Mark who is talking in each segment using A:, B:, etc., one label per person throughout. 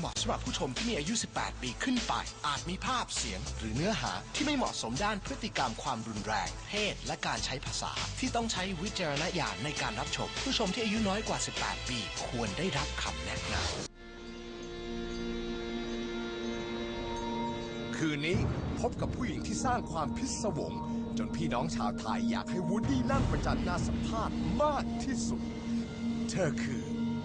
A: มาะสำหรับผู้ชมที่มีอายุ 18 ปีขึ้นไปอาจมีภาพเสียงหรือเนื้อหาที่ไม่เหมาะสมด้านพฤติกรรมความรุนแรงเพศและการใช้ภาษาที่ต้องใช้วิจารณญาณในการรับชมผู้ชมที่อายุน้อยกว่า 18 ปีควรได้รับคำแนะน
B: ำคืนนี้พบกับผู้หญิงที่สร้างความพิศวงจนพี่น้องชาวไทยอยากให้วูดดี้นั่งประจันหน้าสัมภาษณ์มากที่สุดเธอคือ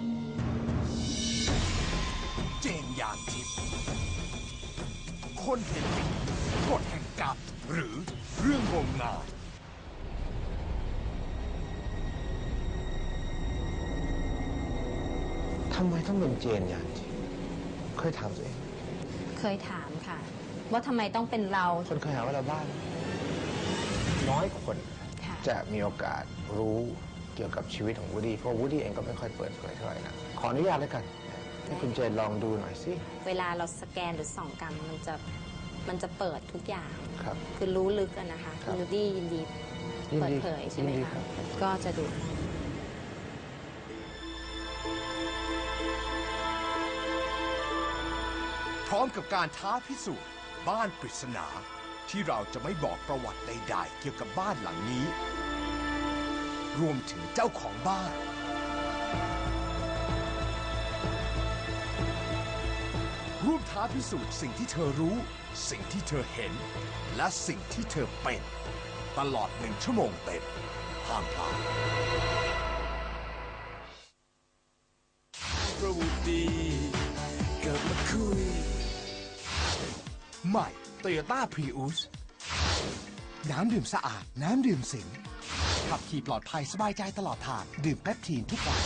B: เจนยานทิพย์คนเห็นผีกฎแห่งกรรมหรือเรื่องงมงาย
C: ทำไมต้องเป็นเจนยานทิพย์เคยถามตัวเอง
D: เคยถามค่ะว่าทำไมต้องเป็นเรา
C: คนเคยหาว่าเราบ้าน้อยคนจะมีโอกาสรู้เกี่ยวกับชีวิตของวูดดี้เพราะวูดดี้เองก็ไม่ค่อยเปิดเผยเท่าไหร่นะขออนุญาตแล้วกันให้คุณเจนลองดูหน่อยสิ
D: เวลาเราสแกนหรือส่องกรรมมันจะเปิดทุกอย่าง
C: ครับ
D: คือรู้ลึกกันนะคะคุณวูดดี้ยินดีเปิดเผยใช่ไหมคะก็จะดู
B: พร้อมกับการท้าพิสูจน์บ้านปริศนาที่เราจะไม่บอกประวัติใดๆเกี่ยวกับบ้านหลังนี้รวมถึงเจ้าของบ้านร่วมท้าพิสูจน์สิ่งที่เธอรู้สิ่งที่เธอเห็นและสิ่งที่เธอเป็นตลอด1 ชั่วโมงเต็มห้ามพลาดประวุฒิเกิดมาคุยใหม่ Toyota Prius น้ำดื่มสะอาดน้ำดื่มสิงขับขี่ปลอดภัยสบายใจตลอดทางดื่มเปปทีนทุกวัน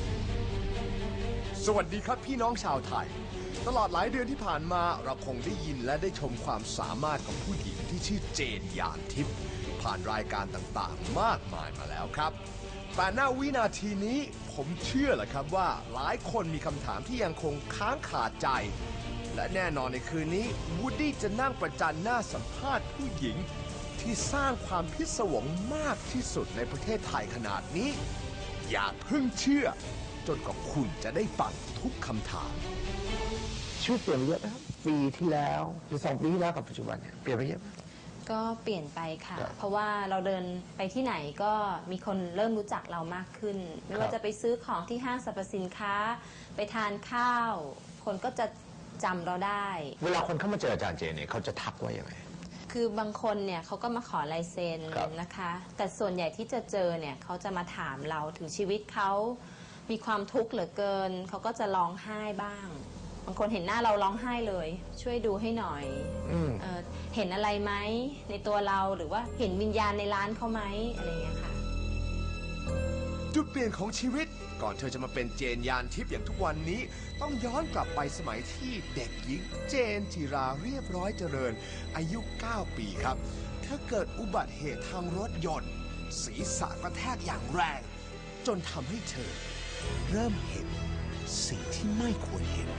B: สวัสดีครับพี่น้องชาวไทยตลอดหลายเดือนที่ผ่านมาเราคงได้ยินและได้ชมความสามารถของผู้หญิงที่ชื่อเจนยานทิพย์ผ่านรายการต่างๆมากมายมาแล้วครับแต่ณวินาทีนี้ผมเชื่อแหละครับว่าหลายคนมีคำถามที่ยังคงค้างคาใจและแน่นอนในคืนนี้วูดดี้จะนั่งประจันหน้าสัมภาษณ์ผู้หญิงที่สร้างความพิศวงมากที่สุดในประเทศไทยขนาดนี้อย่าเพิ่งเชื่อจนกว่าคุณจะได้ฟังทุกคำถาม
C: ชีวิตเปลี่ยนเยอะนะครับปีที่แล้วหรือ2 ปีที่แล้วกับปัจจุบันเนี่ยเปลี่ยนไปเยอะ
D: ก็เปลี่ยนไปค่ะเพราะว่าเราเดินไปที่ไหนก็มีคนเริ่มรู้จักเรามากขึ้นไม่ว่าจะไปซื้อของที่ห้างสรรพสินค้าไปทานข้าวคนก็จะจำเราได้เ
C: วลาคนเข้ามาเจออาจารย์เจนเนี่ยเขาจะทักว่าอย่างไร
D: คือบางคนเนี่ยเขาก็มาขอลายเซ็นนะคะแต่ส่วนใหญ่ที่จะเจอเนี่ยเขาจะมาถามเราถึงชีวิตเขามีความทุกข์เหลือเกินเขาก็จะร้องไห้บ้างบางคนเห็นหน้าเราร้องไห้เลยช่วยดูให้หน่อยเห็นอะไรไหมในตัวเราหรือว่าเห็นวิญญาณในร้านเขาไหมอะไรอย่างเงี้ยค่ะ
B: จุดเปลี่ยนของชีวิตก่อนเธอจะมาเป็นเจนยานทิพย์อย่างทุกวันนี้ต้องย้อนกลับไปสมัยที่เด็กหญิงเจนจิราเรียบร้อยเจริญอายุ 9 ปีครับเธอเกิดอุบัติเหตุทางรถยนต์ศีรษะกระแทกอย่างแรงจนทำให้เธอเริ่มเห็นสิ่งที่ไม่ควรเห็น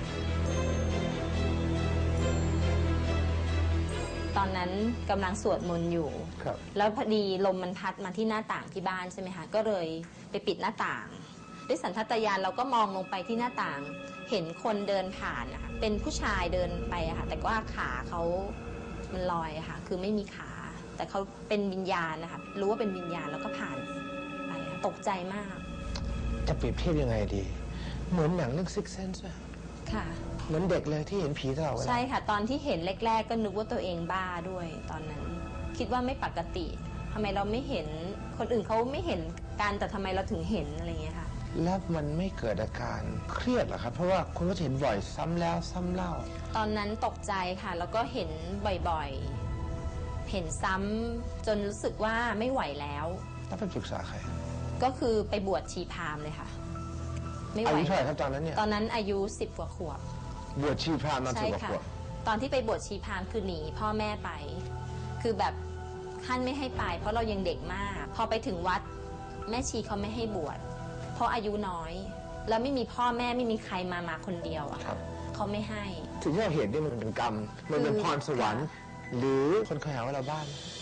D: ตอนนั้นกำลังสวดมนต์อยู่แล้วพอดีลมมันพัดมาที่หน้าต่างที่บ้านใช่ไหมคะก็เลยไปปิดหน้าต่างด้วยสัญชาตญาณเราก็มองลงไปที่หน้าต่างเห็นคนเดินผ่านนะคะเป็นผู้ชายเดินไปอะค่ะแต่ว่าขาเขามันลอยอะค่ะคือไม่มีขาแต่เขาเป็นวิญญาณนะคะรู้ว่าเป็นวิญญาณแล้วก็ผ่านไปตกใจมาก
C: จะเปรียบเทียบยังไงดีเหมือนหนังเรื่อง Sixth Sense
D: ค่ะ
C: เหมือนเด็กเลยที่เห็นผีตลอดเวลา
D: ใช่ค่ะตอนที่เห็นแรกๆก็นึกว่าตัวเองบ้าด้วยตอนนั้นคิดว่าไม่ปกติทำไมเราไม่เห็นคนอื่นเขาไม่เห็นกันแต่ทำไมเราถึงเห็นอะไรเงี้ยค่ะ
C: แล้วมันไม่เกิดอาการเครียดหรอครับเพราะว่าคุณก็เห็นบ่อยซ้ำแล้วซ้ำเล่า
D: ตอนนั้นตกใจค่ะแล้วก็เห็นบ่อยๆเห็นซ้ำจนรู้สึกว่าไม่ไหวแล้ว
C: แล้วไปปรึกษาใคร
D: ก็คือไปบวชชีพราหมณ์เลยค่ะ
C: ไม่ไหวอายุเท่าไหร่ครับตอนนั้นเนี่ย
D: ตอนนั้นอายุ10 กว่าขวบบ
C: วชชีพราหมณ์ตอน10 กว่าขวบ
D: ตอนที่ไปบวชชีพราหมณ์คือหนีพ่อแม่ไปคือแบบท่านไม่ให้ไปเพราะเรายังเด็กมากพอไปถึงวัดแม่ชีเขาไม่ให้บวชเพราะอายุน้อยแล้วไม่มีพ่อแม่ไม่มีใครมาคนเดียวอะเขาไม่ให้
C: ถึงที่เราเห็นนี่มันเป็นกรรมมันเป็นพรสวรรค์หรือคนเคยหาว่าเราบ้า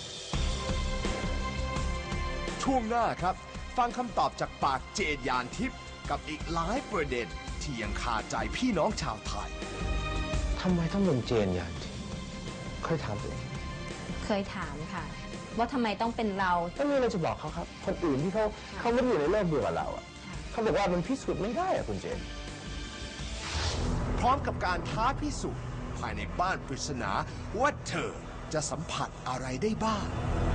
B: ช่วงหน้าครับฟังคำตอบจากปากเจนยานทิพย์กับอีกหลายประเด็นที่ยังคาใจพี่น้องชาวไทย
C: ทำไมต้องเป็นเจนยานทิพย์เคยถามตัวเอง
D: เคยถามค่ะ ว่าทำไมต้องเป็นเรา
C: ก็มีอะไรจะบอกเขาครับ คนอื่นที่เขาไม่ได้อยู่ในโลกเดียวกับเราอ่ะเขาบอกว่ามันพิสูจน์ไม่ได้อ่ะคุณเจน
B: พร้อมกับการท้าพิสูจน์ภายในบ้านปริศนาว่าเธอจะสัมผัสอะไรได้บ้าง